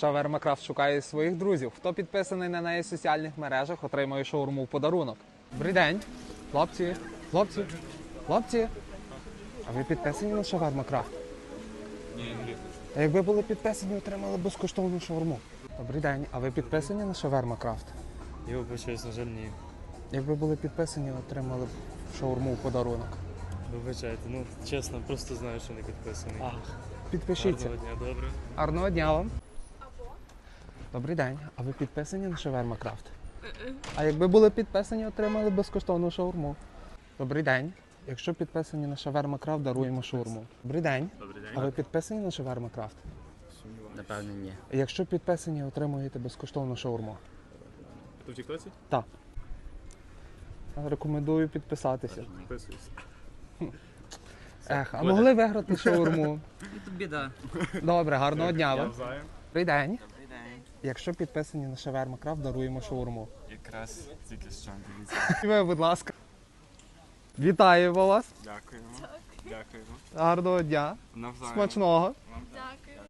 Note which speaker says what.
Speaker 1: Шаверма Крафт шукає своїх друзів. Хто підписаний на неї в соціальних мережах, отримує шаурму в подарунок. Добрий день, хлопці, хлопці, хлопці. А ви підписані на Шаверма Крафт?
Speaker 2: Ні.
Speaker 1: А якби були підписані, отримали безкоштовну шаурму. Добрий день, а ви підписані на Шаверма Крафт?
Speaker 2: Я вибачаюсь, на жаль, ні.
Speaker 1: Якби були підписані, отримали б шаурму в подарунок.
Speaker 2: Вибачайте, ну чесно, просто знаю, що не підписаний.
Speaker 1: Підпишіться.
Speaker 2: Гарного дня, добре.
Speaker 1: Гарного дня вам. Добрий день, а ви підписані на Шаверма Крафт? А якби були підписані, отримали безкоштовну шаурму. Добрий день. Якщо підписані на Шаверма Крафт, даруємо шаурму. Добрий день.
Speaker 2: Добрий день.
Speaker 1: А ви підписані на Шаверма Крафт?
Speaker 3: Напевно, ні.
Speaker 1: Якщо підписані, отримуєте безкоштовну шаурму.
Speaker 2: Ти в тіктоці?
Speaker 1: Так. Рекомендую підписатися.
Speaker 2: Підписуюсь.
Speaker 1: А могли виграти шаурму?
Speaker 3: Тут біда.
Speaker 1: Добре, гарного дня вам.
Speaker 2: Навзаєм.
Speaker 1: Добрий день.
Speaker 3: Добрий день.
Speaker 1: Якщо підписані на Шаверма Крафт, даруємо шаурму.
Speaker 2: Якраз тільки що, дивіться.
Speaker 1: Ви, будь ласка. Вітаємо вас.
Speaker 2: Дякуємо. Дякуємо.
Speaker 1: Гарного дня.
Speaker 2: Навзаєм.
Speaker 1: Смачного.
Speaker 4: Дякую.